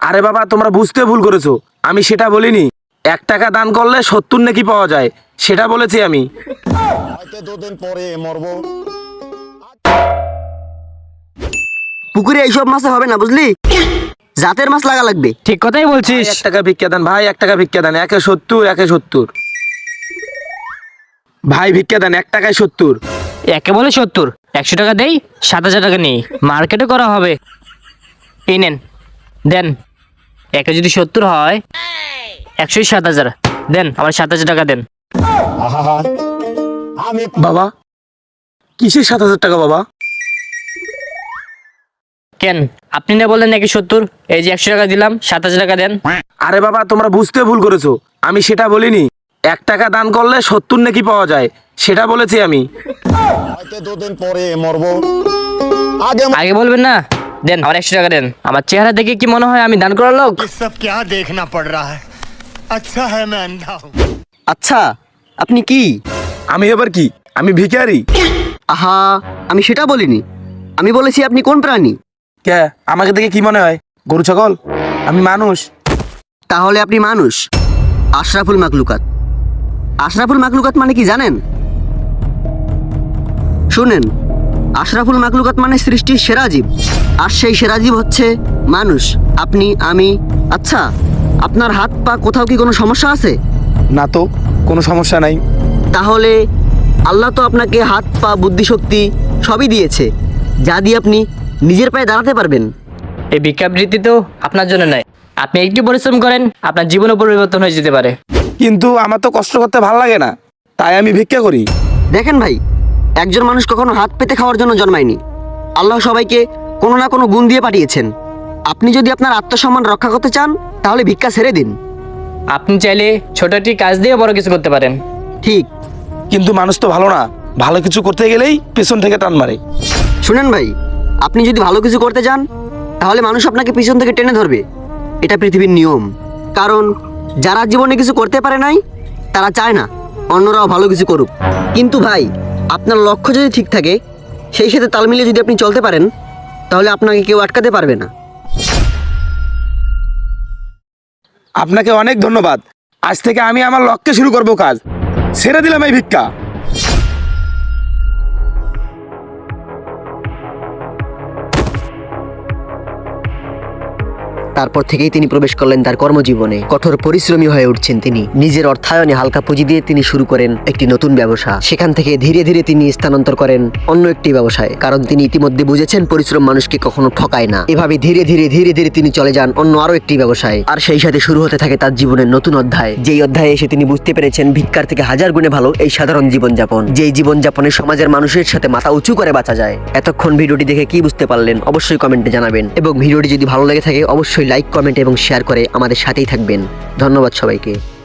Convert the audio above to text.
আরে বাবা, তোমরা বুঝতে ভুল করেছো। আমি সেটা বলিনি। 1 টাকা দান করলে 70 নেকি পাওয়া যায়, সেটা বলেছি আমি। হয়তো 2 দিন পরে মরবো। পুকুরে এইসব মাছে হবে না, বুঝলি? জাতের মাছ লাগা লাগবে। ঠিক কথাই বলছিস। 1 টাকা ভিক্ষা দেন ভাই, 1 টাকা ভিক্ষা দেন। 1-70, 1-70। ভাই ভিক্ষা দেন, 1 টাকায় 70। একে বলে 70, 100 টাকা দেই, 7,000 টাকা নেই, মার্কেটে করা হবে। এই নেন, দেন। একে যদি 70 হয়, 100 7,000 দেন, আমার 7,000 টাকা দেন। আহা, আমি বাবা, কিসের 7,000 টাকা বাবা? কেন আপনি না বললেন নাকি 70? এই যে 100 টাকা দিলাম, 7,000 টাকা দেন। আরে বাবা, তোমরা বুঝতে ভুল করেছো। আমি সেটা বলিনি। 1 টাকা দান করলে 70 নেকি পাওয়া যায়, সেটা বলেছি আমি। হয়তো 2 দিন পরে মরবো। আগে আগে বলবেন না? দেন, আমার 100 টাকা দেন। আমার চেহারা দেখে কি মনে হয় আমি দান করার লোক? ये सब क्या देखना पड़ रहा है। अच्छा है मैं अंधा हूँ। আচ্ছা, আপনি কি? আমি এবার কি? আমি ভিখারি। আহা, আমি সেটা বলিনি। আমি বলেছি আপনি কোন প্রাণী। কে আমাকে দেখে কি মনে হয়? গরু ছাগল? আমি মানুষ। তাহলে আপনি মানুষ, আশরাফুল মাকলুকাত। আশরাফুল মাকলুকাত মানে কি জানেন? শুনেন, আশরাফুল মাকলুকাত মানে সৃষ্টির সেরা জীব। আর সেই সেরা জীব হচ্ছে মানুষ, আপনি, আমি। আচ্ছা, আপনার হাত পা কোথাও কি কোনো সমস্যা আছে? না তো, কোনো সমস্যা নাই। তাহলে আল্লাহ তো আপনাকে হাত পা বুদ্ধিশক্তি সবই দিয়েছে, যা দিয়ে আপনি নিজের পায়ে দাঁড়াতে পারবেন। এই ভিক্ষাবৃত্তি তো আপনার জন্য নয়। আপনি একটু পরিশ্রম করেন, আপনার জীবনও পরিবর্তন হয়ে যেতে পারে। কিন্তু আমার তো কষ্ট করতে ভালো লাগে না, তাই আমি ভিক্ষা করি। দেখেন ভাই, একজন মানুষ কখনো হাত পেতে খাওয়ার জন্য জন্মায়নি। আল্লাহ সবাইকে কোনো না কোনো গুণ দিয়ে পাঠিয়েছেন। আপনি যদি আপনার আত্মসম্মান রক্ষা করতে চান, তাহলে ভিক্ষা ছেড়ে দিন। আপনি চাইলে ছোট একটি কাজ দিয়ে বড় কিছু করতে পারেন। ঠিক। কিন্তু মানুষ তো ভালো না, ভালো কিছু করতে গেলেই পেছন থেকে টান মারে। শুনেন ভাই, আপনি যদি ভালো কিছু করতে চান, তাহলে মানুষ আপনাকে পিছন থেকে টেনে ধরবে। এটা পৃথিবীর নিয়ম। কারণ যারা জীবনে কিছু করতে পারে নাই, তারা চায় না অন্যরাও ভালো কিছু করুক। কিন্তু ভাই, আপনার লক্ষ্য যদি ঠিক থাকে, সেই সাথে তাল মিলিয়ে যদি আপনি চলতে পারেন, তাহলে আপনাকে কেউ আটকাতে পারবে না। আপনাকে অনেক ধন্যবাদ। আজ থেকে আমি আমার লক্ষ্যে শুরু করব কাজ। ছেড়ে দিলাম এই ভিক্ষা। তারপর থেকেই তিনি প্রবেশ করলেন তার কর্মজীবনে। কঠোর পরিশ্রমী হয়ে উঠছেন তিনি। নিজের অর্থায়নে হালকা পুঁজি দিয়ে তিনি শুরু করেন একটি নতুন ব্যবসা। সেখান থেকে ধীরে ধীরে তিনি স্থানান্তর করেন অন্য একটি ব্যবসায়, কারণ তিনি ইতিমধ্যে বুঝেছেন পরিশ্রম মানুষকে কখনো ঠকায় না। এভাবে ধীরে ধীরে ধীরে ধীরে তিনি চলে যান অন্য আরো একটি ব্যবসায়। আর সেই সাথে শুরু হতে থাকে তার জীবনের নতুন অধ্যায়। যেই অধ্যায়ে এসে তিনি বুঝতে পেরেছেন ভিক্ষার থেকে হাজার গুণে ভালো এই সাধারণ জীবনযাপন, যেই জীবনযাপনে সমাজের মানুষের সাথে মাথা উঁচু করে বাঁচা যায়। এতক্ষণ ভিডিওটি দেখে কি বুঝতে পারলেন অবশ্যই কমেন্টে জানাবেন, এবং ভিডিওটি যদি ভালো লেগে থাকে অবশ্যই লাইক, কমেন্ট এবং শেয়ার করে আমাদের সাথেই থাকবেন। ধন্যবাদ সবাইকে।